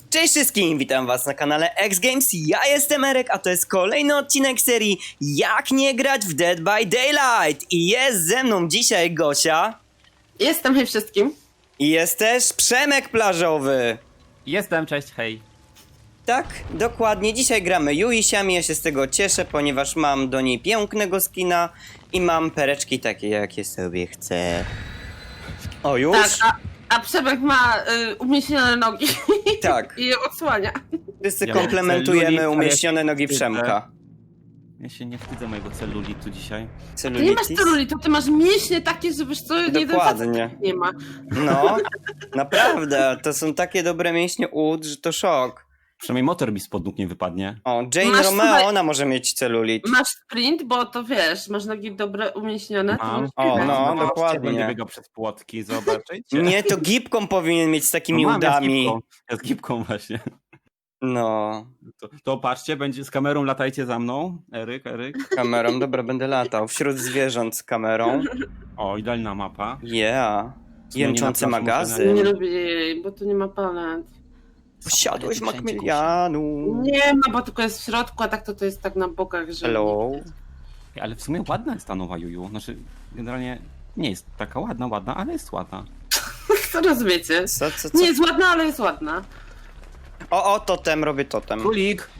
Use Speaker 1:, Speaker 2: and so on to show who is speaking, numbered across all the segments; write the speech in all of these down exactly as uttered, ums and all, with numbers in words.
Speaker 1: Cześć wszystkim, witam was na kanale X Games, ja jestem Erek, a to jest kolejny odcinek serii Jak nie grać w Dead by Daylight. I jest ze mną dzisiaj Gosia.
Speaker 2: Jestem, hej wszystkim.
Speaker 1: I jest też Przemek Plażowy.
Speaker 3: Jestem, cześć, hej.
Speaker 1: Tak, dokładnie, dzisiaj gramy Juisiami, ja się z tego cieszę, ponieważ mam do niej pięknego skina i mam pereczki takie, jakie sobie chcę. O, już?
Speaker 2: Tak, a, a Przemek ma y, umieśnione nogi
Speaker 1: Tak.
Speaker 2: i je odsłania.
Speaker 1: Wszyscy
Speaker 3: Ja mam
Speaker 1: komplementujemy
Speaker 3: celulit, a
Speaker 1: umieśnione
Speaker 3: ja się
Speaker 1: nogi
Speaker 3: wstydzę.
Speaker 1: Przemka.
Speaker 3: Ja się nie wstydzę mojego celulitu dzisiaj.
Speaker 2: Ty nie masz
Speaker 1: Celulitis?
Speaker 2: celulitu, ty masz mięśnie takie, że wiesz co, nie
Speaker 1: Dokładnie.
Speaker 2: nie ma.
Speaker 1: No, naprawdę, to są takie dobre mięśnie ud, że to szok.
Speaker 3: Przynajmniej motor mi spod nóg nie wypadnie.
Speaker 1: O, Jane
Speaker 2: Masz
Speaker 1: Romeo,
Speaker 2: tutaj-
Speaker 1: ona może mieć celulit.
Speaker 2: Masz sprint, bo to wiesz, masz nogi dobre umieśnione. to
Speaker 3: Mam.
Speaker 2: masz
Speaker 1: O,
Speaker 2: sprint.
Speaker 1: no,
Speaker 3: Zobaczcie,
Speaker 1: dokładnie.
Speaker 3: Będę biegał przez płotki, zobaczycie.
Speaker 1: Nie, to gipką powinien mieć z takimi
Speaker 3: No mam, ja z
Speaker 1: udami.
Speaker 3: gipką. Ja z gipką właśnie.
Speaker 1: No,
Speaker 3: To, to patrzcie, będzie z kamerą, latajcie za mną. Eryk, Eryk.
Speaker 1: kamerą, dobra, będę latał. Wśród zwierząt z kamerą.
Speaker 3: O, idealna mapa.
Speaker 1: Yeah.
Speaker 3: sumie nie
Speaker 1: Jęczący
Speaker 3: na plaży
Speaker 1: magazyn.
Speaker 2: Nie lubię jej, bo tu nie ma palet.
Speaker 1: Wsiadłeś
Speaker 3: Wszędzie,
Speaker 1: Makmilianu.
Speaker 2: Nie ma, bo tylko jest w środku, a tak to to jest tak na bokach, że...
Speaker 1: Hello.
Speaker 3: Ej, ale w sumie ładna jest ta nowa Juju. Znaczy, generalnie nie jest taka ładna, ładna, ale jest ładna.
Speaker 2: Co rozumiecie?
Speaker 1: Co, co, co?
Speaker 2: Nie jest ładna, ale jest ładna.
Speaker 1: O, o, totem, robię totem.
Speaker 3: Królik!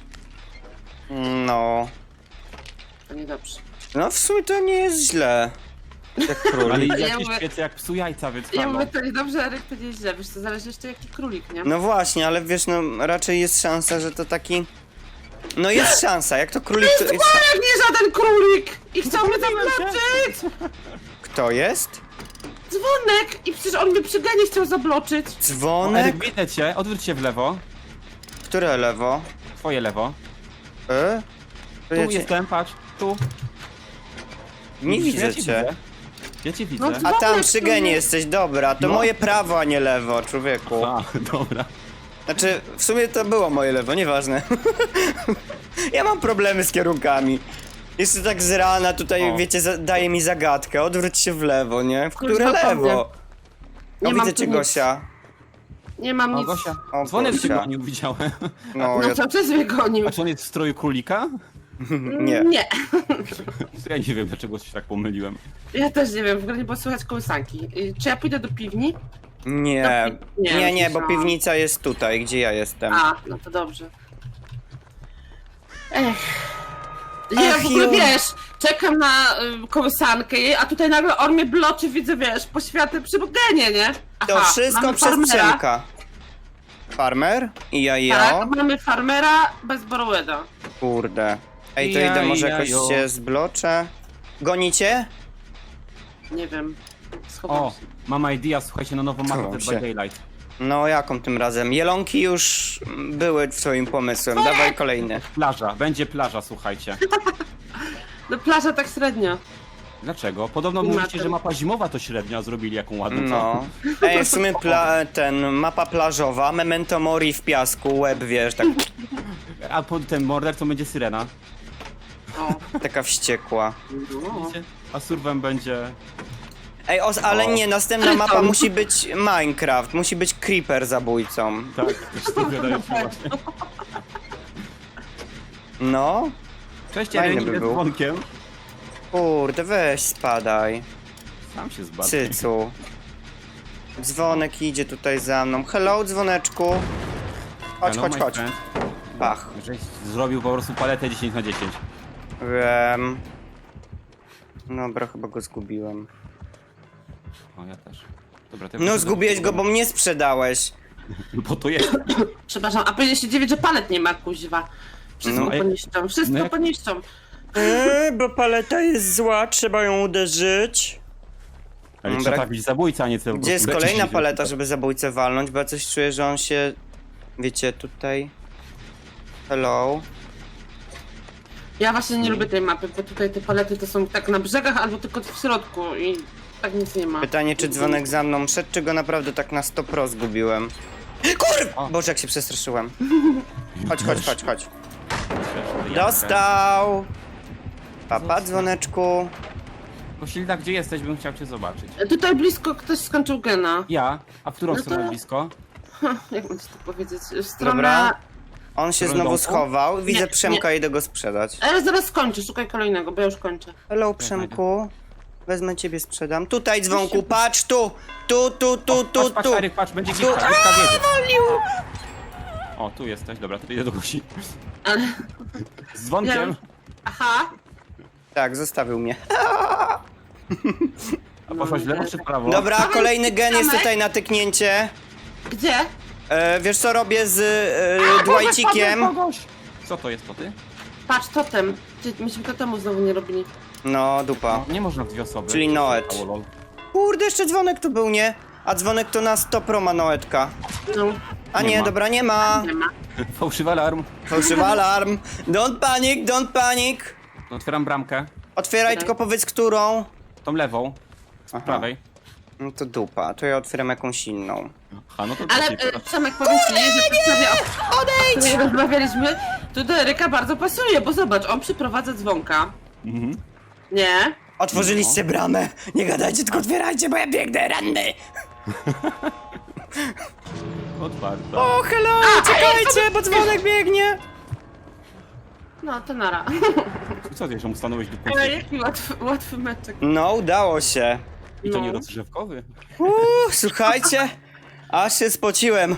Speaker 1: No.
Speaker 2: To niedobrze.
Speaker 1: No, w sumie to nie jest źle. Jak
Speaker 3: Ale
Speaker 1: królik.
Speaker 2: Ja
Speaker 3: jakieś
Speaker 2: mówię-
Speaker 3: świece jak psu jajca, więc
Speaker 2: Ja
Speaker 3: halo.
Speaker 2: mówię, to niedobrze, Eryk, to nie źle. Wiesz, to zależy jeszcze jaki królik, nie?
Speaker 1: No właśnie, ale wiesz, no raczej jest szansa, że to taki... No jest szansa, jak to królik to jest...
Speaker 2: Jak nie żaden królik! I chciał mnie zabloczyć!
Speaker 1: Kto jest?
Speaker 2: Dzwonek! I przecież on mnie przy genie chciał zabloczyć.
Speaker 3: O,
Speaker 1: Dzwonek?
Speaker 3: Eryk, widzę cię, odwróć się w lewo.
Speaker 1: Które lewo?
Speaker 3: Twoje lewo.
Speaker 1: E? To
Speaker 3: Tu
Speaker 1: ja cię...
Speaker 3: jestem, patrz, tu.
Speaker 1: Nie
Speaker 3: Widzisz,
Speaker 1: widzę
Speaker 3: ja
Speaker 1: cię.
Speaker 3: Widzę. Ja cię widzę.
Speaker 2: No,
Speaker 1: A
Speaker 2: Dzwonek
Speaker 1: tam przy
Speaker 2: tu
Speaker 1: genie
Speaker 2: jest.
Speaker 1: jesteś, dobra, to
Speaker 3: No.
Speaker 1: moje prawo, a nie lewo, człowieku.
Speaker 3: A, dobra.
Speaker 1: Znaczy, w sumie to było moje lewo, nieważne. Ja mam problemy z kierunkami. Jeszcze tak z rana tutaj,
Speaker 3: O.
Speaker 1: wiecie, za- daje mi zagadkę, odwróć się w lewo, nie? W które
Speaker 2: Kurwa,
Speaker 1: lewo?
Speaker 2: Nie
Speaker 1: O,
Speaker 2: mam
Speaker 1: widzę
Speaker 2: tu
Speaker 1: cię,
Speaker 2: nic.
Speaker 1: Gosia.
Speaker 2: Nie mam
Speaker 3: O,
Speaker 2: nic.
Speaker 3: Gosia.
Speaker 1: O,
Speaker 3: Dzwonek cię
Speaker 1: Gosia.
Speaker 3: gonił, widziałem.
Speaker 1: No,
Speaker 2: No
Speaker 1: ja...
Speaker 2: co, przez mnie gonił?
Speaker 3: A czy on jest w stroju królika?
Speaker 1: nie.
Speaker 2: Nie.
Speaker 3: Ja nie wiem, dlaczego się tak pomyliłem.
Speaker 2: Ja też nie wiem, w ogóle nie było słychać kołysanki. Y, Czy ja pójdę do piwni?
Speaker 1: Nie,
Speaker 2: Do pi- nie,
Speaker 1: nie, nie, bo
Speaker 2: myślałam.
Speaker 1: piwnica jest tutaj, gdzie ja jestem.
Speaker 2: A, no to dobrze. Ech. Ja
Speaker 1: Ach,
Speaker 2: w ogóle
Speaker 1: ju.
Speaker 2: wiesz, czekam na y, kołysankę jej, a tutaj nagle on mnie bloczy, widzę, wiesz, poświaty przy genie, nie?
Speaker 1: To
Speaker 2: Aha,
Speaker 1: wszystko
Speaker 2: mamy
Speaker 1: przez
Speaker 2: farmera.
Speaker 1: Przemka. Farmer? I ja, ja.
Speaker 2: Tak, mamy farmera bez Borweda.
Speaker 1: Kurde. Ej, to
Speaker 3: Ja,
Speaker 1: idę, może
Speaker 3: ja,
Speaker 1: jakoś
Speaker 3: jo.
Speaker 1: się zbloczę. Gonicie?
Speaker 2: Nie wiem. Schowam
Speaker 3: O,
Speaker 2: się.
Speaker 3: mam idea, słuchajcie, na nową mapę
Speaker 1: Schowam
Speaker 3: Dead
Speaker 1: się.
Speaker 3: by Daylight.
Speaker 1: No, jaką tym razem? Jelonki już były twoim pomysłem, dawaj kolejny.
Speaker 3: Plaża, będzie plaża, słuchajcie.
Speaker 2: No plaża tak średnio.
Speaker 3: Dlaczego? Podobno
Speaker 2: Klimatem.
Speaker 3: mówicie, że mapa zimowa to średnia, a zrobili jaką ładną.
Speaker 1: No. Ej, w sumie pla ten, mapa plażowa, Memento Mori w piasku, łeb, wiesz, tak,
Speaker 3: A po ten mordercą będzie syrena.
Speaker 2: O.
Speaker 1: taka wściekła.
Speaker 2: No.
Speaker 3: Widzicie? A surwem będzie...
Speaker 1: Ej, os, ale
Speaker 3: O.
Speaker 1: nie, następna mapa musi być Minecraft, musi być Creeper zabójcą.
Speaker 3: Tak, też to wydaje się właśnie.
Speaker 1: No.
Speaker 3: Cześć,
Speaker 1: Fajny
Speaker 3: Eryk,
Speaker 1: by
Speaker 3: idę
Speaker 1: był.
Speaker 3: dzwonkiem.
Speaker 1: Kurde, weź spadaj.
Speaker 3: Sam się zbadł.
Speaker 1: Cycu. Dzwonek idzie tutaj za mną. Hello, dzwoneczku. Chodź,
Speaker 3: Hello,
Speaker 1: chodź,
Speaker 3: my
Speaker 1: chodź.
Speaker 3: friend.
Speaker 1: Bach.
Speaker 3: Żeś zrobił po prostu paletę dziesięć na dziesięć.
Speaker 1: Wiem. Dobra, chyba go zgubiłem.
Speaker 3: O, ja też. Dobra, to ja
Speaker 1: No
Speaker 3: proszę
Speaker 1: zgubiłeś
Speaker 3: do-
Speaker 1: go, bo mnie sprzedałeś.
Speaker 3: Bo to jest.
Speaker 2: Przepraszam, a powinien się dziwić, że palet nie ma, kuźwa. Wszystko
Speaker 1: No,
Speaker 3: ej-
Speaker 2: poniszczą, wszystko
Speaker 3: no jak-
Speaker 2: poniszczą.
Speaker 1: Eee, bo paleta jest zła, trzeba ją uderzyć.
Speaker 3: Ale
Speaker 1: Dobra.
Speaker 3: trzeba trafić zabójca, a nie cel.
Speaker 1: Gdzie jest kolejna paleta, żeby zabójcę walnąć, bo ja coś czuję, że on się... Wiecie, tutaj... Hello.
Speaker 2: Ja właśnie nie lubię tej mapy, bo tutaj te palety to są tak na brzegach albo tylko w środku i tak nic nie ma.
Speaker 1: Pytanie, czy dzwonek za mną szedł, czy go naprawdę tak na sto pro zgubiłem? Kurw!
Speaker 3: O.
Speaker 1: Boże, jak się przestraszyłem. Chodź, chodź, chodź, chodź.
Speaker 3: Dostał!
Speaker 1: Dostał! Papa, dzwoneczku.
Speaker 3: Posilda, gdzie jesteś? Bym chciał cię zobaczyć.
Speaker 2: Tutaj blisko ktoś skończył gena.
Speaker 3: Ja? A w którą
Speaker 2: No
Speaker 3: stronę
Speaker 2: to-
Speaker 3: blisko?
Speaker 2: Hm, jak mam ci to powiedzieć? Strona...
Speaker 1: Dobra. On się
Speaker 3: Strona
Speaker 1: znowu
Speaker 3: domku?
Speaker 1: schował. Widzę
Speaker 2: Nie,
Speaker 1: Przemka, idę go sprzedać.
Speaker 2: Ale zaraz skończę, szukaj kolejnego, bo ja już kończę.
Speaker 1: Hello, Przemku. Wezmę ciebie, sprzedam. Tutaj, dzwonku, patrz tu! Tu, tu, tu, tu,
Speaker 3: Patrz, patrz,
Speaker 1: tu!
Speaker 3: Eryk, patrz, będzie
Speaker 1: Tu.
Speaker 3: gitka, gitka wiedzie.
Speaker 1: Walił!
Speaker 3: O, tu jesteś, dobra, to idę do Gosi.
Speaker 2: Ale...
Speaker 3: Z dzwonkiem.
Speaker 2: Ja- Aha.
Speaker 1: Tak, zostawił mnie.
Speaker 3: A poszłaś w lewo czy w prawo?
Speaker 1: Dobra,
Speaker 2: Dawaj,
Speaker 1: kolejny gen jest
Speaker 2: Przemek.
Speaker 1: tutaj na tyknięcie.
Speaker 2: Gdzie?
Speaker 1: E, wiesz co robię z e, Dwightikiem?
Speaker 3: Kogoś. Co to jest, to ty?
Speaker 2: Patrz, totem. Czy myśmy totemu znowu nie robili?
Speaker 1: No, dupa.
Speaker 3: No, nie można w dwie osoby.
Speaker 1: Czyli Noet.
Speaker 3: O, lol.
Speaker 1: Kurde, jeszcze dzwonek tu był, nie? A dzwonek to na sto pro ma Noetka.
Speaker 2: No,
Speaker 1: A
Speaker 3: Nie
Speaker 1: nie,
Speaker 3: ma.
Speaker 1: dobra, nie ma.
Speaker 2: nie ma.
Speaker 3: Fałszywy alarm.
Speaker 1: Fałszywy alarm. Don't panic, don't panic.
Speaker 3: Otwieram bramkę.
Speaker 1: Otwieraj, tylko powiedz którą.
Speaker 3: Tą lewą. Z
Speaker 1: Aha.
Speaker 3: prawej.
Speaker 1: No to dupa, to ja otwieram jakąś inną.
Speaker 3: Aha, no to
Speaker 2: Ale
Speaker 3: trzeciej
Speaker 2: e,
Speaker 3: teraz.
Speaker 2: Przemek, powiem ci, że w sprawie, o której rozmawialiśmy, to do Eryka bardzo pasuje, bo zobacz, on przyprowadza dzwonka.
Speaker 3: Mhm.
Speaker 2: Nie?
Speaker 1: Otworzyliście bramę. Nie gadajcie, tylko otwierajcie, bo ja biegnę ranny.
Speaker 3: Otwarta.
Speaker 1: O, hello, czekajcie, bo dzwonek biegnie.
Speaker 2: No, to nara.
Speaker 3: Co ty, że mu stanąłeś do
Speaker 2: Ale
Speaker 3: punktu?
Speaker 2: jaki łatwy, łatwy meczek.
Speaker 1: No, udało się.
Speaker 3: I to
Speaker 2: No.
Speaker 3: nie rozgrzewkowy?
Speaker 1: Uuu, słuchajcie, aż się spociłem.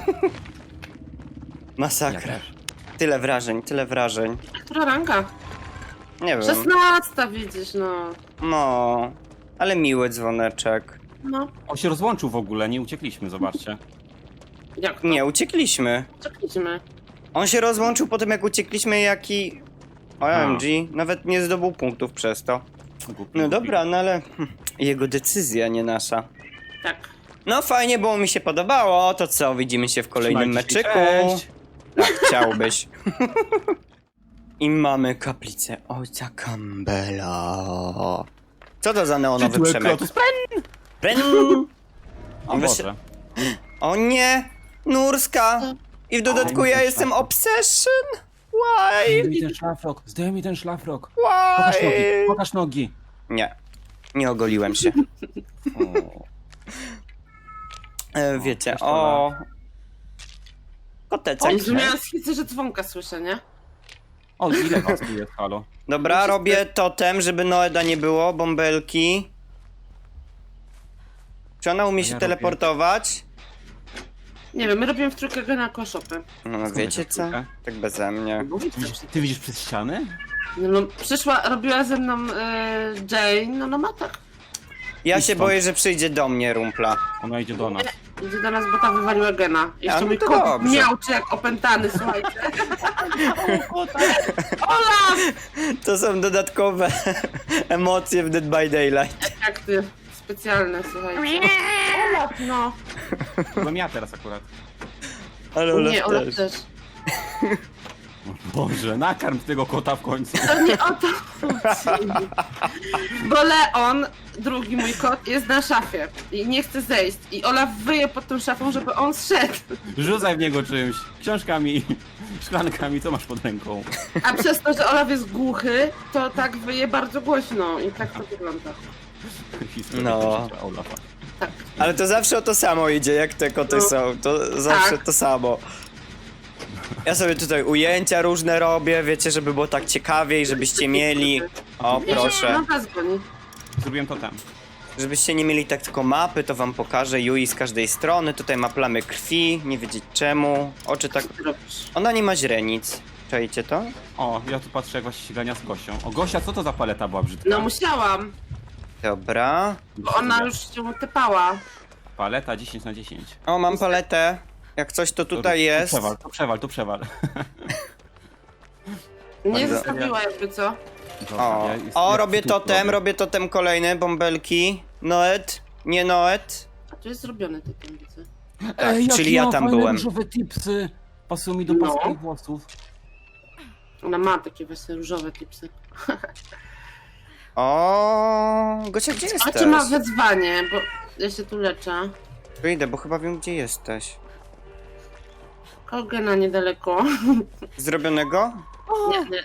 Speaker 1: Masakra.
Speaker 3: Ja też.
Speaker 1: Tyle wrażeń, tyle wrażeń.
Speaker 2: Która ranka?
Speaker 1: Nie wiem.
Speaker 2: Szesnasta widzisz, no.
Speaker 1: No, ale miły dzwoneczek.
Speaker 2: No,
Speaker 3: On się rozłączył w ogóle, nie uciekliśmy, zobaczcie.
Speaker 2: jak to?
Speaker 1: Nie, uciekliśmy.
Speaker 2: Czekaliśmy.
Speaker 1: On się rozłączył po tym, jak uciekliśmy, jaki... O M G, nawet nie zdobył punktów przez to.
Speaker 3: Głupi,
Speaker 1: No
Speaker 3: głupi.
Speaker 1: dobra, no ale... hm, jego decyzja, nie nasza.
Speaker 2: Tak.
Speaker 1: No fajnie, bo mi się podobało. To co, widzimy się w kolejnym
Speaker 3: Trzymajcie się,
Speaker 1: meczyku.
Speaker 3: cześć.
Speaker 1: Tak, chciałbyś. I mamy kaplicę ojca Campbella. Co to za neonowy
Speaker 3: Tytułek
Speaker 1: Przemek?
Speaker 3: Lotus
Speaker 1: Pren!
Speaker 3: O
Speaker 1: Weź-
Speaker 3: Boże.
Speaker 1: O nie! Nurska! I w dodatku ja jestem obsession! Why?
Speaker 3: Zdejmij ten szlafrok, zdejmij ten szlafrok. Pokaż nogi,
Speaker 1: Why?
Speaker 3: pokaż nogi.
Speaker 1: Nie. Nie ogoliłem się.
Speaker 3: O.
Speaker 1: E, wiecie,
Speaker 3: coś to
Speaker 1: o...
Speaker 3: da.
Speaker 1: Kotecek.
Speaker 2: Jezu, miałam schizę, że dzwonka słyszę, nie?
Speaker 3: O, ile was tu jest, halo?
Speaker 1: Dobra, robię totem, żeby Noeda nie było, bąbelki. Czy ona umie
Speaker 3: A
Speaker 1: się
Speaker 3: ja robię-
Speaker 1: teleportować?
Speaker 2: Nie wiem, my robimy w trójkę gena koszopy.
Speaker 1: No
Speaker 3: Skąd
Speaker 1: wiecie
Speaker 3: wiesz,
Speaker 1: co?
Speaker 3: trójkę?
Speaker 1: Tak beze mnie.
Speaker 3: Ty widzisz, ty widzisz przez ściany?
Speaker 2: No, no przyszła, robiła ze mną e, Jane, no no ma tak.
Speaker 1: Ja
Speaker 3: Idź
Speaker 1: się
Speaker 3: stąd.
Speaker 1: boję, że przyjdzie do mnie rumpla.
Speaker 3: Ona idzie do nas.
Speaker 2: Idzie do nas, bo ta wywaliła gena. Jeszcze
Speaker 1: no
Speaker 2: mój
Speaker 1: to
Speaker 2: kot
Speaker 1: dobrze.
Speaker 2: miał czy jak opętany, słuchajcie. Olaf!
Speaker 1: To są dodatkowe emocje w Dead by Daylight.
Speaker 2: Efekty specjalne, słuchajcie. Olaf, no.
Speaker 3: Byłem ja teraz akurat.
Speaker 1: Ale Olaf
Speaker 2: Nie, Olaf
Speaker 1: też.
Speaker 2: też.
Speaker 3: Boże, nakarm tego kota w końcu.
Speaker 2: To nie o to chodzi. Bo Leon, drugi mój kot, jest na szafie i nie chce zejść. I Olaf wyje pod tą szafą, żeby on zszedł.
Speaker 3: Rzucaj w niego czymś. Książkami, szklankami, co masz pod ręką?
Speaker 2: A przez to, że Olaf jest głuchy, to tak wyje bardzo głośno i tak to wygląda.
Speaker 3: Historia
Speaker 1: No.
Speaker 3: życia Olafa.
Speaker 2: Tak.
Speaker 1: Ale to zawsze o to samo idzie, jak te koty
Speaker 2: No.
Speaker 1: są. To zawsze
Speaker 2: Tak.
Speaker 1: to samo. Ja sobie tutaj ujęcia różne robię, wiecie, żeby było tak ciekawiej, żebyście mieli... O, proszę.
Speaker 2: No was goni.
Speaker 3: Zrobiłem to tam.
Speaker 1: Żebyście nie mieli tak tylko mapy, to wam pokażę Yui z każdej strony. Tutaj ma plamy krwi, nie wiedzieć czemu. Oczy tak...
Speaker 2: Co ty robisz?
Speaker 1: Ona nie ma źrenic. Czajcie to?
Speaker 3: O, ja tu patrzę jak właśnie się gania z Gosią. O, Gosia, co to za paleta była brzydka?
Speaker 2: No musiałam,
Speaker 1: Dobra.
Speaker 2: bo ona już się typała.
Speaker 3: Paleta dziesięć na dziesięć.
Speaker 1: O, mam paletę. Jak coś to tutaj
Speaker 3: Tu
Speaker 1: jest.
Speaker 3: przewal, tu przewal, tu przewal.
Speaker 2: Nie
Speaker 1: Bardzo-
Speaker 2: zostawiła jakby co.
Speaker 3: Dobra,
Speaker 1: O,
Speaker 3: ja jest-
Speaker 1: o
Speaker 3: ja
Speaker 1: robię
Speaker 3: tu
Speaker 1: totem,
Speaker 3: robię.
Speaker 1: robię totem kolejny, bąbelki. Noet, nie Noet.
Speaker 2: A tu jest zrobiony typem, widzę.
Speaker 1: Tak, czyli ja tam byłem.
Speaker 3: różowe tipsy. Pasują mi do
Speaker 2: No.
Speaker 3: paskich włosów.
Speaker 2: Ona ma takie właśnie różowe tipsy.
Speaker 1: O, Gosia, gdzie
Speaker 2: A
Speaker 1: jesteś?
Speaker 2: czy ma wezwanie, bo ja się tu leczę.
Speaker 1: Wyjdę, bo chyba wiem, gdzie jesteś.
Speaker 2: Kołgena niedaleko.
Speaker 1: Zrobionego?
Speaker 2: Nie, nie.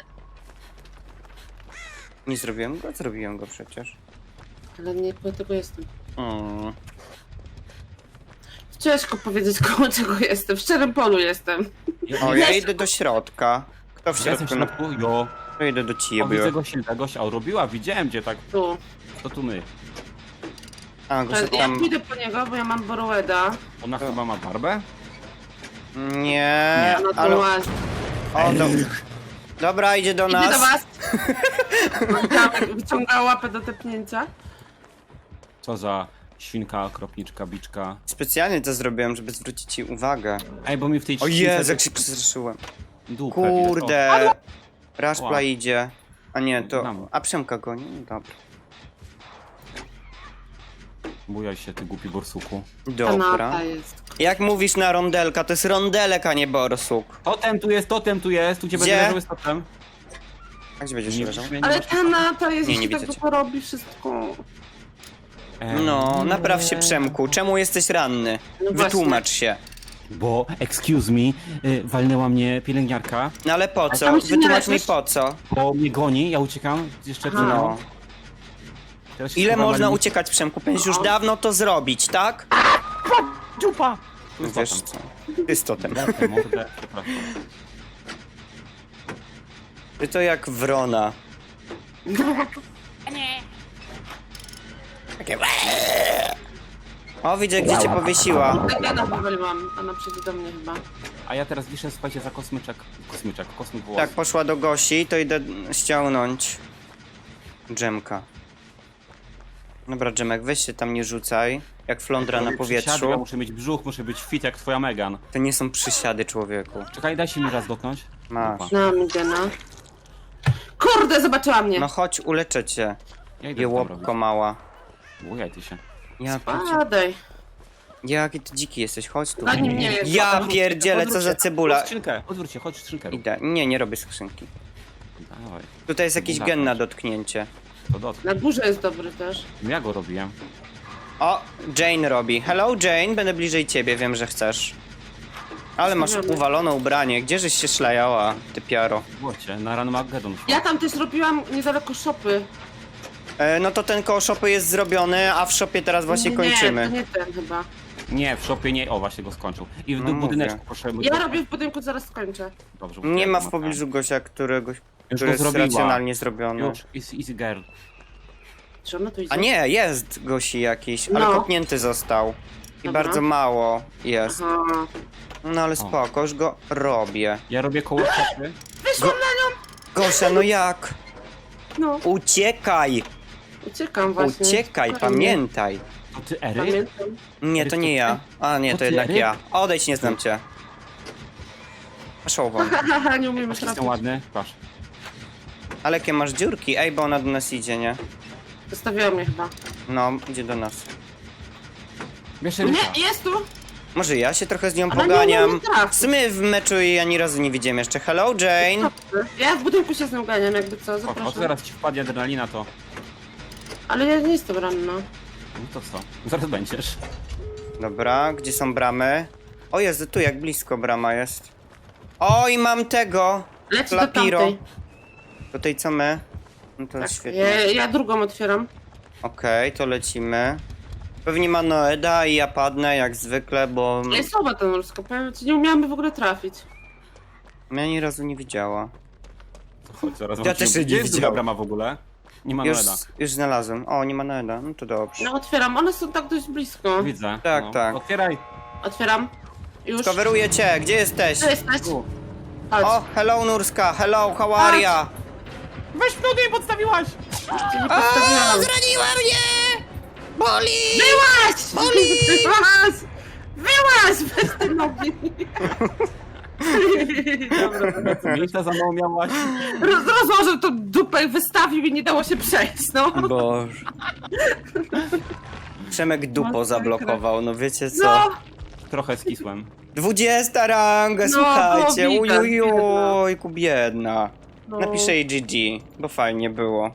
Speaker 1: Nie zrobiłem go? Zrobiłem go przecież.
Speaker 2: Ale nie po tego jestem.
Speaker 1: Mm.
Speaker 2: Ciężko powiedzieć, koło czego jestem. W szczerym polu jestem.
Speaker 1: O, ja idę do środka. Kto w
Speaker 3: Ja jestem w
Speaker 1: środku?
Speaker 3: środku, jo.
Speaker 1: To idę do
Speaker 3: O,
Speaker 1: ciebie.
Speaker 3: widzę gościa, gościa, a robiła, widziałem gdzie tak,
Speaker 2: Tu.
Speaker 3: to tu my.
Speaker 1: A, go się
Speaker 2: Ja
Speaker 1: tam...
Speaker 2: pójdę po niego, bo ja mam Borroweda.
Speaker 3: Ona chyba ma barbę?
Speaker 1: Nie,
Speaker 2: A na to
Speaker 1: ale...
Speaker 2: łazi.
Speaker 1: O, do... Dobra, idzie do
Speaker 2: Idzie
Speaker 1: nas.
Speaker 2: do was. Wyciąga- Wyciąga łapę do tepnięcia.
Speaker 3: Co za świnka, kropniczka, biczka.
Speaker 1: Specjalnie to zrobiłem, żeby zwrócić ci uwagę.
Speaker 3: Ej, bo mi w tej
Speaker 1: O
Speaker 3: trzcince
Speaker 1: Jezu, jak się przestraszyłem.
Speaker 3: dupę widać.
Speaker 1: Kurde. Raszpla
Speaker 3: Ła.
Speaker 1: idzie. A nie, to...
Speaker 3: Znam.
Speaker 1: A Przemka goni? No dobra.
Speaker 3: O, bujaj się, ty głupi borsuku.
Speaker 1: Dobra.
Speaker 2: Kanapa jest.
Speaker 1: Jak mówisz na rondelka, to jest rondelek, a nie borsuk.
Speaker 3: Totem tu jest, totem tu jest, tu cię
Speaker 1: Gdzie?
Speaker 3: będę leżał z totem.
Speaker 1: A gdzie będziesz
Speaker 3: Nie
Speaker 1: leżał?
Speaker 3: widzisz mnie, nie
Speaker 2: Ale
Speaker 3: masz-
Speaker 2: ta nata jest,
Speaker 1: Nie, nie
Speaker 2: jeśli tak
Speaker 1: widzę cię.
Speaker 2: długo robi wszystko.
Speaker 3: Ej,
Speaker 1: No, napraw się Przemku. Czemu jesteś ranny?
Speaker 2: No właśnie.
Speaker 1: Wytłumacz się.
Speaker 3: Bo, excuse me, y, walnęła mnie pielęgniarka,
Speaker 1: No ale po co?
Speaker 2: tam się
Speaker 1: Wytłumacz mi
Speaker 2: leżysz?
Speaker 1: po co.
Speaker 3: bo mnie goni, ja uciekam jeszcze przed
Speaker 2: Aha.
Speaker 3: nią.
Speaker 1: No.
Speaker 3: Teraz się
Speaker 1: Ile
Speaker 3: schowam,
Speaker 1: można
Speaker 3: ale mi-
Speaker 1: uciekać Przemku? Powinieneś już
Speaker 2: No.
Speaker 1: dawno to zrobić, tak?
Speaker 3: Dziupa! Tu jest
Speaker 1: Wiesz
Speaker 3: totem.
Speaker 1: co? Ty z totem.
Speaker 3: Mordę, mordę, przepraszam.
Speaker 1: Ty to jak wrona. Takie... O, widzę, gdzie cię powiesiła.
Speaker 2: Tak ja nawaliłam, ona przyjdzie do mnie chyba.
Speaker 3: A ja teraz wiszę, słuchajcie, za kosmyczek. Kosmyczek, kosmyk włos.
Speaker 1: Tak, poszła do Gosi, to idę ściągnąć dżemka. Dobra, Dżemek, weź się tam nie rzucaj. Jak flądra na
Speaker 3: Robię przysiady, Ja
Speaker 1: powietrzu.
Speaker 3: muszę mieć brzuch, muszę być fit jak twoja Megan.
Speaker 1: To nie są przysiady, człowieku.
Speaker 3: Czekaj, daj się mi raz dotknąć.
Speaker 1: Masz.
Speaker 3: Dupa.
Speaker 2: No, Migena. Kurde, zobaczyła mnie.
Speaker 1: No chodź, uleczę cię.
Speaker 3: Ja idę
Speaker 1: Jełopko mała.
Speaker 3: Bujaj ty się.
Speaker 1: Ja pierdzie...
Speaker 2: Padaj.
Speaker 1: Jaki ty dziki jesteś, chodź tu.
Speaker 2: Na nim nie jest.
Speaker 1: Ja
Speaker 2: Potem-
Speaker 1: pierdzielę, co za
Speaker 3: Odwróć
Speaker 1: cebula.
Speaker 3: skrzynkę, odwróć się, chodź skrzynkę rób.
Speaker 1: Idę. Nie, nie robię skrzynki.
Speaker 3: Dawaj,
Speaker 1: Tutaj jest jakiś
Speaker 3: Dawaj.
Speaker 1: gen na dotknięcie.
Speaker 3: to dotknę.
Speaker 2: Na górze jest dobry też.
Speaker 3: Ja go robiłem.
Speaker 1: O, Jane robi. Hello Jane, będę bliżej ciebie, wiem, że chcesz. Ale masz
Speaker 2: Zrobione.
Speaker 1: uwalone ubranie, gdzieżeś się szlajała, ty piaro.
Speaker 3: Błocie, na Run Mageddon.
Speaker 2: Ja tam też robiłam niedaleko szopy.
Speaker 1: E, no to ten koło shopy jest zrobiony, a w shopie teraz właśnie
Speaker 2: nie,
Speaker 1: kończymy.
Speaker 2: to nie ten chyba.
Speaker 3: Nie, w shopie nie. O, właśnie go skończył. I w
Speaker 1: No
Speaker 3: no,
Speaker 1: mówię.
Speaker 3: budyneczku proszę.
Speaker 2: Ja robię w budynku, zaraz skończę.
Speaker 3: Dobrze,
Speaker 1: Nie ma w
Speaker 3: tak.
Speaker 1: pobliżu Gosia, któregoś,
Speaker 3: Już
Speaker 1: który
Speaker 3: go
Speaker 1: jest
Speaker 3: zrobiła.
Speaker 1: racjonalnie zrobiony.
Speaker 3: Już, is easy girl.
Speaker 2: Czy ona tu idzie?
Speaker 1: A nie, jest Gosi jakiś, ale
Speaker 2: No.
Speaker 1: kopnięty został. I
Speaker 2: Dobra.
Speaker 1: bardzo mało jest.
Speaker 2: Aha.
Speaker 1: No ale spoko, już go robię.
Speaker 3: Ja robię koło shopy.
Speaker 2: Wyszłam na nią!
Speaker 1: Gosia, no jak?
Speaker 2: No,
Speaker 1: Uciekaj!
Speaker 2: uciekam właśnie.
Speaker 1: Uciekaj,
Speaker 2: Spokojnie.
Speaker 1: pamiętaj.
Speaker 3: To ty Ery?
Speaker 2: Pamiętam.
Speaker 1: Nie, to nie ja. A nie,
Speaker 3: To
Speaker 1: to
Speaker 3: ty,
Speaker 1: jednak
Speaker 3: Eryk?
Speaker 1: ja. Odejdź, nie znam cię. Szową.
Speaker 2: Haha, nie umiemy
Speaker 3: Jestem
Speaker 2: trafić.
Speaker 3: ładny? Patrz.
Speaker 1: Ale jakie masz dziurki? Ej, bo ona do nas idzie, nie?
Speaker 2: Zostawiła mnie chyba.
Speaker 1: No, idzie do nas.
Speaker 3: Bierz Eryka.
Speaker 2: Nie, jest tu!
Speaker 1: Może ja się trochę z nią
Speaker 2: Ale nie
Speaker 1: poganiam.
Speaker 2: umiem trafić.
Speaker 1: W sumie w meczu jej ani razu nie widziałem jeszcze. Hello, Jane!
Speaker 2: Ja w budynku się z nią ganiam, jakby co,
Speaker 3: O, o,
Speaker 2: zapraszam.
Speaker 3: zaraz ci wpadnie adrenalina, to...
Speaker 2: Ale ja nie jestem ranna.
Speaker 3: No to co? Zaraz będziesz.
Speaker 1: Dobra, gdzie są bramy? O Jezu, tu jak blisko brama jest. Oj, mam tego!
Speaker 2: Leci do
Speaker 1: Lapiro.
Speaker 2: tamtej.
Speaker 1: Do tej co my? No to
Speaker 2: Tak,
Speaker 1: świetnie.
Speaker 2: ja, ja drugą otwieram.
Speaker 1: Okej, to lecimy. Pewnie ma Noeda i ja padnę jak zwykle, bo
Speaker 2: Jest słaba ta norska, powiem ci, nie umiałam w ogóle trafić.
Speaker 1: mnie ani razu nie widziała.
Speaker 3: To chodź, zaraz
Speaker 1: Ja
Speaker 3: wam
Speaker 1: też
Speaker 3: się-
Speaker 1: jej
Speaker 3: Gdzie
Speaker 1: nie
Speaker 3: jest druga
Speaker 1: widziałem.
Speaker 3: brama w ogóle? Nie ma
Speaker 1: Już,
Speaker 3: Noeda.
Speaker 1: już znalazłem. O, nie ma Noeda. No to dobrze.
Speaker 2: No otwieram, one są tak dość blisko.
Speaker 3: Widzę.
Speaker 1: Tak,
Speaker 3: no.
Speaker 1: tak.
Speaker 3: Otwieraj.
Speaker 2: Otwieram. Już.
Speaker 1: Coveruję cię, gdzie jesteś?
Speaker 2: Tu jesteś.
Speaker 3: Tu.
Speaker 2: Chodź.
Speaker 1: O, hello Nurska, hello, how are ya?
Speaker 3: Weź mnie nie podstawiłaś!
Speaker 2: Cię nie postawiłam.
Speaker 1: Zraniła mnie! Boli!
Speaker 2: Wyłaź!
Speaker 1: Boli!
Speaker 2: Wyłaź! Wyłaź! Bez tej nogi. Dobra.
Speaker 3: Miejsca za mną miałaś.
Speaker 2: Roz, rozłożył tą dupę i wystawił i nie dało się przejść, no.
Speaker 1: Boże. Przemek dupo
Speaker 2: Masakra.
Speaker 1: zablokował, no wiecie co?
Speaker 2: No,
Speaker 3: Trochę skisłem.
Speaker 1: Dwudziesta ranga,
Speaker 2: No,
Speaker 1: słuchajcie,
Speaker 2: było widać,
Speaker 1: ujujujku, biedna.
Speaker 2: no.
Speaker 1: Napiszę jej G G, bo fajnie było.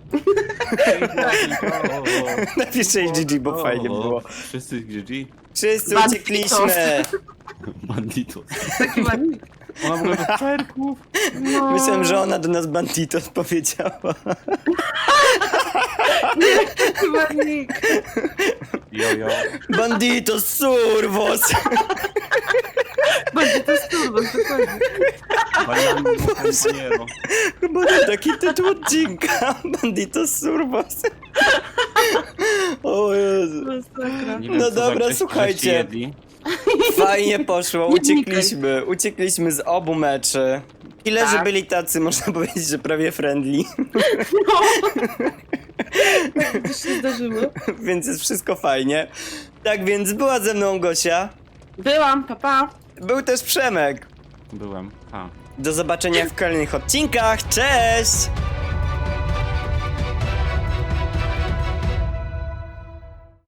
Speaker 1: Napiszę jej G G, bo fajnie było.
Speaker 3: Wszyscy G G.
Speaker 1: Wszyscy
Speaker 2: Banditos.
Speaker 1: uciekliśmy.
Speaker 3: Banditos.
Speaker 2: Taki ładnik.
Speaker 3: Ona w ogóle do perków.
Speaker 2: No.
Speaker 1: Myślałem, że ona do nas banditos powiedziała.
Speaker 2: Chyba nikt.
Speaker 3: Jojo.
Speaker 1: Banditos survos!
Speaker 2: Będzie to sturbo, dokładnie.
Speaker 3: Bailando compañero.
Speaker 1: Chyba to taki tytuł odcinka. Banditos survos. O Jezu.
Speaker 2: Masakra.
Speaker 3: Nie wiem,
Speaker 1: No
Speaker 3: co za
Speaker 1: dobra,
Speaker 3: grześ-
Speaker 1: słuchajcie.
Speaker 3: grześci jedli.
Speaker 1: Fajnie poszło,
Speaker 2: Nie wnikaj.
Speaker 1: uciekliśmy. Uciekliśmy z obu meczy. Killerzy
Speaker 2: Tak.
Speaker 1: byli tacy, można powiedzieć, że prawie friendly.
Speaker 2: No. Tak to się zdarzyło.
Speaker 1: Więc jest wszystko fajnie. Tak więc była ze mną Gosia.
Speaker 2: Byłam, papa.
Speaker 1: Był też Przemek.
Speaker 3: Byłem. A.
Speaker 1: Do zobaczenia w kolejnych odcinkach. Cześć!